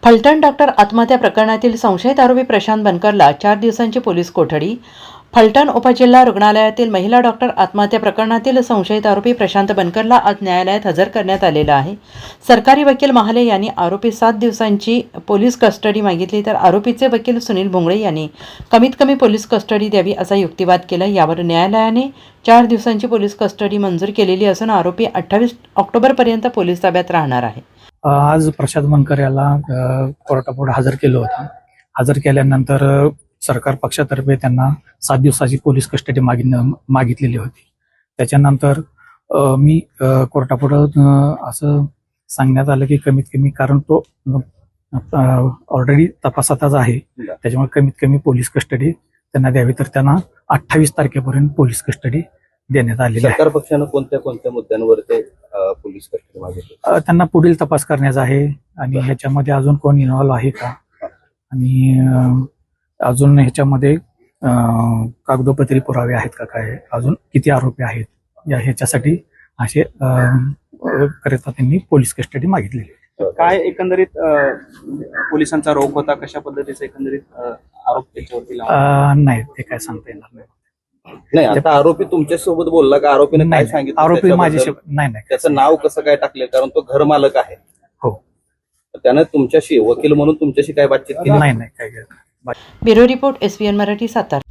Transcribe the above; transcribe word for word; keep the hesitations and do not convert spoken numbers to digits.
Phaltan doctor आत्महत्या प्रकरणातील संशयित आरोपी प्रशांत बनकरला चार दिवसांची पोलीस कोठडी. फलटण उपजिल्हा रुग्णालयातील महिला डॉक्टर आत्महत्या प्रकरणातील संशयित आरोपी प्रशांत बनकरला आज न्यायालयात हजर करण्यात आलेला आहे. सरकारी वकील महाले यांनी आरोपी सात दिवसांची पोलीस कस्टडी मागितली, तर आरोपीचे वकील सुनील भोंगळे यांनी कमीत कमी पोलीस कस्टडी द्यावी असा युक्तिवाद केला. यावर न्यायालयाने चार दिवसांची पोलीस कस्टडी मंजूर केलेली असून आरोपी अठ्ठावीस ऑक्टोबरपर्यंत पोलीस ताब्यात राहणार आहे. आज प्रशांत बनकर याला कोर्टापुढे हजर केलं होतं. हजर केल्यानंतर सरकार पक्षातर्फे त्यांना सात दिवसाची पोलीस कस्टडी मागिन मागितलेली होती. त्याच्यानंतर मी कोर्टापुढं असं सांगण्यात आलं की कमीत कमी, कारण तो ऑलरेडी तपासातच आहे, त्याच्यामुळे कमीत कमी पोलीस कस्टडी त्यांना द्यावी. तर त्यांना अठ्ठावीस तारखेपर्यंत पोलीस कस्टडी देण्यात आलेली आहे. सरकार पक्षानं कोणत्या कोणत्या मुद्द्यांवर ते पोलीस कस्टडी मागितली? त्यांना पुढील तपास करण्याचा आहे आणि ह्याच्यामध्ये अजून कोण इन्व्हॉल्व आहे का, आणि अजून ह्याच्यामध्ये कागदोपत्री पुरावे आहेत का, काय अजून किती आरोपी आहेत या ह्याच्यासाठी असे करता त्यांनी पोलीस कस्टडी मागितलेली. काय एकंदरीत पोलिसांचा रोख होता, कशा पद्धतीचा एकंदरीत आरोप त्याच्यावरती लावला? नाही, ते काय सांगता येणार नाही. नाही, आता आरोपी तुमच्या सोबत बोलला का? आरोपीने काय सांगितलं? आरोपी माझ्याशी नाही नाही त्याचं नाव कसं काय टाकले? कारण तो घर मालक आहे. हो, त्यानं तुमच्याशी वकील म्हणून तुमच्याशी काय बातचीत केली? नाही नाही काय. Bureau report, S B N Marathi, Satara.